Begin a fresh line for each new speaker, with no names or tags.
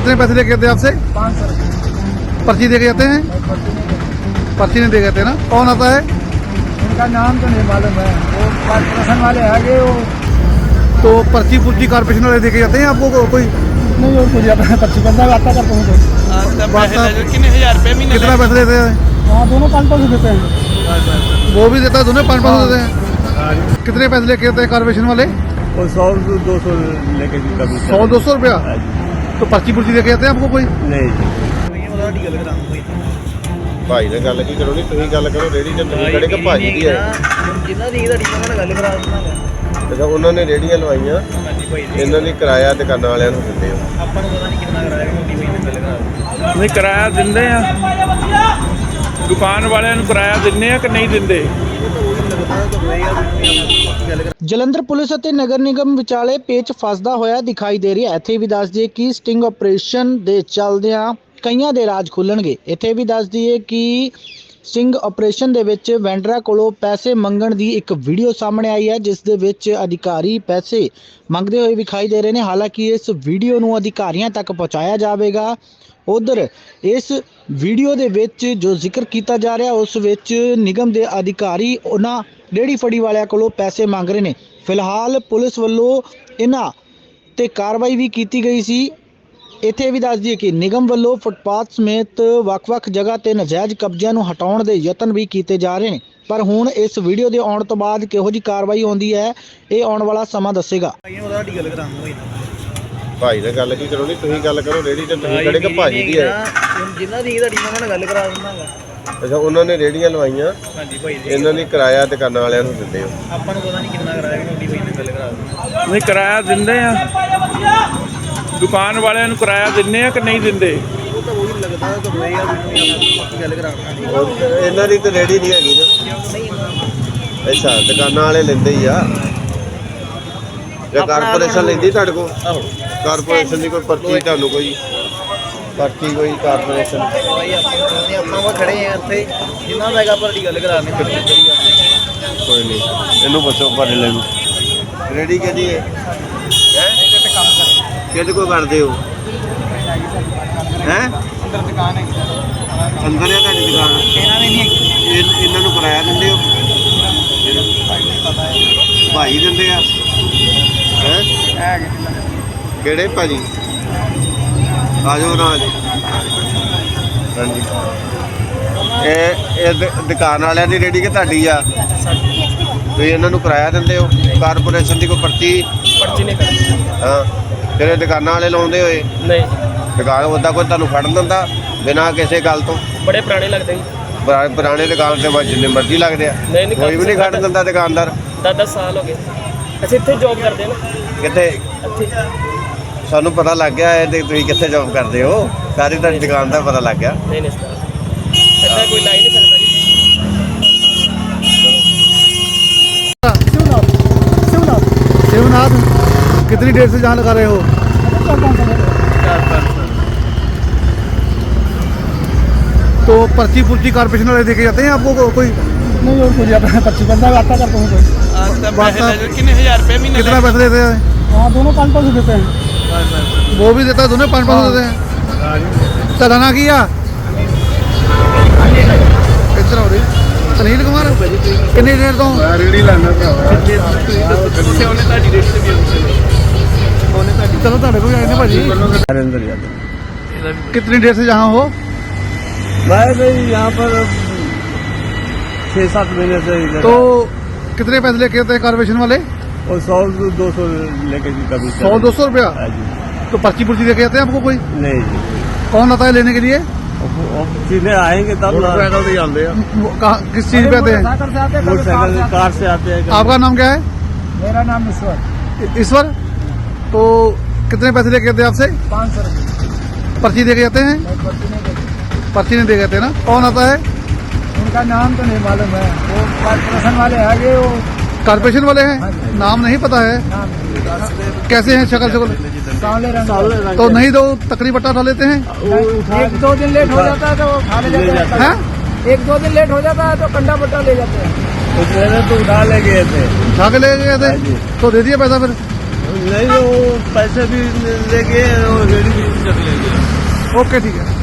कितने पैसे लेके आते हैं आपसे?
500 रुपये।
पर्ची दे के जाते हैं? पर्ची नहीं दे के आते ना? कौन आता है?
उनका नाम तो नहीं मालूम है, वो कॉर्पोरेशन वाले आगे वो
तो पर्ची पुर्ची कारपोरेशन वाले दे के जाते हैं आपको कोई?
नहीं, और कुछ आता है पर्ची बंदा आता करता हूँ।
कितने 1000 रुपये महीने? कितना पैसे देते हैं?
हाँ, दोनों 500 देते हैं।
वो भी देता है, दोनों 500 देते हैं। कितने पैसे लेके आते हैं कारपोरेशन वाले?
वो 100-200 लेके कभी
100-200 रुपया। तो पर्ची पुर्ची दे के जाते हैं आपको कोई?
नहीं।
ਭਾਈ ਨਾਲ ਗੱਲ ਕੀ ਕਰੋ, ਨਹੀਂ ਤੁਸੀਂ ਗੱਲ ਕਰੋ, ਰੇੜੀ ਤੇ ਤੁਸੀਂ ਖੜੇ ਕਿ ਭਾਜੀ ਦੀ ਹੈ
ਜਿੰਨਾ ਦੀ ਤੁਹਾਡੀ ਨਾਲ ਗੱਲ ਕਰਾ ਦਿੰਦਾ।
ਅੱਛਾ, ਉਹਨਾਂ ਨੇ ਰੇੜੀਆਂ ਲਵਾਈਆਂ,
ਹਾਂਜੀ ਭਾਈ,
ਇਹਨਾਂ ਦੀ ਕਿਰਾਇਆ ਦੁਕਾਨਾਂ ਵਾਲਿਆਂ ਨੂੰ ਦਿੰਦੇ ਹੋ।
ਆਪਾਂ ਨੂੰ ਪਤਾ ਨਹੀਂ ਕਿੰਨਾ ਕਰਾਇਆ, ਮੋਟੀ ਭਾਈ ਨਾਲ ਗੱਲ ਕਰਾ।
ਨਹੀਂ ਕਿਰਾਇਆ ਦਿੰਦੇ ਆ, ਦੁਕਾਨ ਵਾਲਿਆਂ ਨੂੰ ਕਿਰਾਇਆ ਦਿੰਦੇ ਆ ਕਿ ਨਹੀਂ ਦਿੰਦੇ?
ਜਲੰਧਰ ਪੁਲਿਸ ਅਤੇ ਨਗਰ ਨਿਗਮ ਵਿਚਾਲੇ ਪੇਚ ਫਸਦਾ ਹੋਇਆ ਦਿਖਾਈ ਦੇ ਰਿਹਾ ਹੈ। ਇੱਥੇ ਵੀ ਦੱਸ ਦਈਏ ਕਿ ਸਟਿੰਗ ਆਪਰੇਸ਼ਨ ਦੇ ਚੱਲਦਿਆਂ ਕਈਆਂ ਦੇ ਰਾਜ ਖੁੱਲਣਗੇ। ਇੱਥੇ ਵੀ ਦੱਸ ਦਈਏ ਕਿ ਸਟਿੰਗ ਆਪਰੇਸ਼ਨ ਦੇ ਵਿੱਚ ਵੈਂਡਰਾਂ ਕੋਲੋਂ ਪੈਸੇ ਮੰਗਣ ਦੀ ਇੱਕ ਵੀਡੀਓ ਸਾਹਮਣੇ ਆਈ ਹੈ, ਜਿਸ ਦੇ ਵਿੱਚ ਅਧਿਕਾਰੀ ਪੈਸੇ ਮੰਗਦੇ ਹੋਏ ਵਿਖਾਈ ਦੇ ਰਹੇ ਨੇ। ਹਾਲਾਂਕਿ ਇਸ ਵੀਡੀਓ ਨੂੰ ਅਧਿਕਾਰੀਆਂ ਤੱਕ ਪਹੁੰਚਾਇਆ ਜਾਵੇਗਾ। ਉਧਰ ਇਸ ਵੀਡੀਓ ਦੇ ਵਿੱਚ ਜੋ ਜ਼ਿਕਰ ਕੀਤਾ ਜਾ ਰਿਹਾ, ਉਸ ਵਿੱਚ ਨਿਗਮ ਦੇ ਅਧਿਕਾਰੀ ਉਹਨਾਂ ਰੇਹੜੀ ਫੜੀ ਵਾਲਿਆਂ ਕੋਲੋਂ ਪੈਸੇ ਮੰਗ ਰਹੇ ਨੇ। ਫਿਲਹਾਲ ਪੁਲਿਸ ਵੱਲੋਂ ਇਹਨਾਂ ਤੇ ਕਾਰਵਾਈ ਵੀ ਕੀਤੀ ਗਈ ਸੀ। ਇੱਥੇ ਵੀ ਦੱਸ ਦਈਏ ਕਿ ਨਿਗਮ ਵੱਲੋਂ ਫੁੱਟਪਾਥ ਸਮੇਤ ਵੱਖ-ਵੱਖ ਜਗ੍ਹਾ ਤੇ ਨਜਾਇਜ਼ ਕਬਜ਼ਿਆਂ ਨੂੰ ਹਟਾਉਣ ਦੇ ਯਤਨ ਵੀ ਕੀਤੇ ਜਾ ਰਹੇ ਨੇ। ਪਰ ਹੁਣ ਇਸ ਵੀਡੀਓ ਦੇ ਆਉਣ ਤੋਂ ਬਾਅਦ ਕਿਹੋ ਜਿਹੀ ਕਾਰਵਾਈ ਹੁੰਦੀ ਹੈ, ਇਹ ਆਉਣ ਵਾਲਾ ਸਮਾਂ ਦੱਸੇਗਾ।
ਭਾਈ ਨਾਲ ਗੱਲ ਕੀ ਕਰੋ, ਨਹੀਂ ਤੁਸੀਂ ਗੱਲ ਕਰੋ, ਰੇੜੀ ਤੇ ਤੁਸੀਂ ਖੜੇ ਕਿ ਭਾਜੀ ਦੀ ਹੈ
ਜਿੰਨਾ ਦੀ ਤੁਹਾਡੀ ਨਾਲ ਗੱਲ ਕਰਾ ਦਿੰਦਾ।
ਅੱਛਾ, ਉਹਨਾਂ ਨੇ ਰੇੜੀਆਂ ਲਵਾਈਆਂ,
ਹਾਂਜੀ ਭਾਈ,
ਇਹਨਾਂ ਦੀ ਕਿਰਾਇਆ ਦੁਕਾਨਾਂ ਵਾਲਿਆਂ ਨੂੰ ਦਿੰਦੇ ਹੋ।
ਆਪਾਂ ਨੂੰ ਪਤਾ ਨਹੀਂ ਕਿੰਨਾ ਕਰਾਇਆ, ਮੋਟੀ ਭਾਈ ਨਾਲ ਗੱਲ ਕਰਾ।
ਨਹੀਂ ਕਿਰਾਇਆ ਦਿੰਦੇ ਆ, ਦੁਕਾਨ ਵਾਲਿਆਂ ਨੂੰ ਕਿਰਾਇਆ ਦਿੰਦੇ ਆ ਕਿ ਨਹੀਂ ਦਿੰਦੇ?
ਉਹ ਤਾਂ ਉਹੀ ਲੱਗਦਾ ਤਾਂ ਹੋਏਗਾ, ਗੱਲ ਕਰਾ।
ਇਹਨਾਂ ਦੀ ਤਾਂ ਰੇੜੀ ਨਹੀਂ ਹੈਗੀ ਨਾ। ਅੱਛਾ, ਦੁਕਾਨਾਂ ਵਾਲੇ ਲੈਂਦੇ ਹੀ ਆ ਜਾਂ ਕਾਰਪੋਰੇਸ਼ਨ ਲੈਂਦੀ ਤੁਹਾਡੇ ਕੋਲ? ਕਾਰਪੋਰੇਸ਼ਨ ਦੀ ਕੋਈ ਪਰਚੀ ਤੁਹਾਨੂੰ ਕੋਈ ਪਰਚੀ ਕੋਈ ਕਾਰਪੋਰੇਸ਼ਨ?
ਭਾਈ ਆਪਾਂ ਉਹ ਖੜੇ ਆ ਇੱਥੇ, ਜਿੰਨਾ ਦਾ ਹੈਗਾ ਪਰ ਦੀ ਗੱਲ ਕਰਾਣੇ।
ਕੋਈ ਨਹੀਂ, ਇਹਨੂੰ ਪੁੱਛੋ ਭਾੜੇ ਲੈ ਨੂੰ ਰੇੜੀ ਕਿਹਦੀ ਹੈ? ਕਿਹਦੇ ਕੋਲ ਕਰਦੇ ਹੋ? ਹੈਂ,
ਅੰਦਰ ਦੁਕਾਨ ਹੈ,
ਅੰਦਰ ਹੈ ਤੁਹਾਡੀ ਦੁਕਾਨ?
ਇਹਨਾਂ ਨੇ ਨਹੀਂ
ਇਹਨਾਂ ਨੂੰ ਕਿਰਾਇਆ ਦਿੰਦੇ ਹੋ? ਭਾਈ ਦਿੰਦੇ ਆ? ਹੈਂ, ਕਿਹੜੇ ਭਾਜੀ? ਆ ਜਾਓ ਨਾ। ਹਾਂਜੀ, ਇਹ ਦੁਕਾਨ ਵਾਲਿਆਂ ਦੀ ਰੇੜੀ ਕਿ ਤੁਹਾਡੀ ਆ? ਤੁਸੀਂ ਇਹਨਾਂ ਨੂੰ ਕਿਰਾਇਆ ਦਿੰਦੇ ਹੋ? ਕਾਰਪੋਰੇਸ਼ਨ ਦੀ ਕੋਈ ਪਰਚੀ
ਨਹੀਂ ਕਰਦੀ।
ਹਾਂ, ਫਿਰ ਇਹ ਦੁਕਾਨਾਂ ਵਾਲੇ ਲਾਉਂਦੇ ਹੋਏ?
ਨਹੀਂ,
ਦੁਕਾਨ ਉੱਦਾਂ ਕੋਈ ਤੁਹਾਨੂੰ ਫੜਨ ਦਿੰਦਾ ਬਿਨਾਂ ਕਿਸੇ ਗੱਲ ਤੋਂ?
ਬੜੇ ਪੁਰਾਣੇ ਲੱਗਦੇ ਜੀ।
ਪੁਰਾਣੇ ਦੁਕਾਨ ਤੇ ਬਸ ਜਿੰਨੇ ਮਰਜ਼ੀ ਲੱਗਦੇ ਆ, ਕੋਈ ਵੀ ਨਹੀਂ ਖੜਨ ਦਿੰਦਾ ਦੁਕਾਨਦਾਰ?
10 ਸਾਲ ਹੋ ਗਏ ਅਸੀਂ ਇੱਥੇ ਜੌਬ ਕਰਦੇ ਨਾ।
ਕਿੱਥੇ?
ਇੱਥੇ
ਸਾਨੂੰ ਪਤਾ ਲੱਗ ਗਿਆ ਹੈ ਤੇ ਤੁਸੀਂ ਕਿੱਥੇ ਜੌਬ ਕਰਦੇ ਹੋ, ਸਾਰੀ ਤੁਹਾਡੀ ਦੁਕਾਨ ਦਾ ਪਤਾ ਲੱਗ ਗਿਆ।
ਨਹੀਂ ਇੱਦਾਂ ਕੋਈ ਲਾਈ ਨਹੀਂ ਸਕਦਾ ਜੀ।
शिवनाथ, कितनी देर से जहाँ लगा रहे हो?
4-5
तो पर्ची पुर्ची कारपोरेशन वाले देके जाते हैं आपको कोई?
नहीं, और कुछ आता है पर्ची बंदा आता करता हूँ।
ਕਿੰਨੇ 1000 रुपये महीने?
कितना पैसे देते हैं?
हाँ, दोनों 500 देते हैं।
वो भी देता है, दोनों 500 देते हैं। चलाना किया इतना हो रही सुनील कुमार कितनी देर तो
ਰੇੜੀ ਲਾਣਾ
चलो ਤੁਹਾਡੇ ਕੋਲ ਆਏ ਨੇ ਭਾਜੀ।
अंदर जाते
कितनी देर से जहाँ हो?
मैं भाई यहाँ पर 6-7 महीने से इधर।
तो कितने पैसे लेके आते हैं कारपोरेशन वाले?
और 100-200 लेके कभी
100-200 रुपया।
हाँ जी।
तो पर्ची पुर्ची देके जाते हैं आपको कोई?
नहीं जी,
कौन आता है लेने के लिए?
सीधे आएंगे तब मोटरसाइकिल से आते हैं।
किस चीज पे आते हैं?
मोटरसाइकिल कार से आते हैं।
आपका नाम क्या है?
मेरा नाम ईश्वर।
ईश्वर। तो कितने पैसे लेके आते हैं आपसे?
500 रुपये।
पर्ची देके जाते हैं? पर्ची नहीं दे जाते ना? कौन आता है?
उनका नाम तो नहीं मालूम है, वो कॉर्पोरेशन वाले आगे वो
कारपोरेशन वाले हैं, नाम नहीं पता है। कैसे हैं शक्ल शक्ल?
सांवले रंग।
तो नहीं दो तकरी बट्टा उठा लेते हैं?
1-2 दिन लेट हो जाता है तो वो खा ले जाते हैं। 1-2 दिन लेट हो जाता है तो कंडा बट्टा ले जाते हैं।
तो उठा ले गए थे,
उठा के ले गए थे? तो दे दिया पैसा फिर?
नहीं वो पैसे भी ले गए और रेडी भी चल ले गए।
ਓਕੇ ਠੀਕ ਹੈ।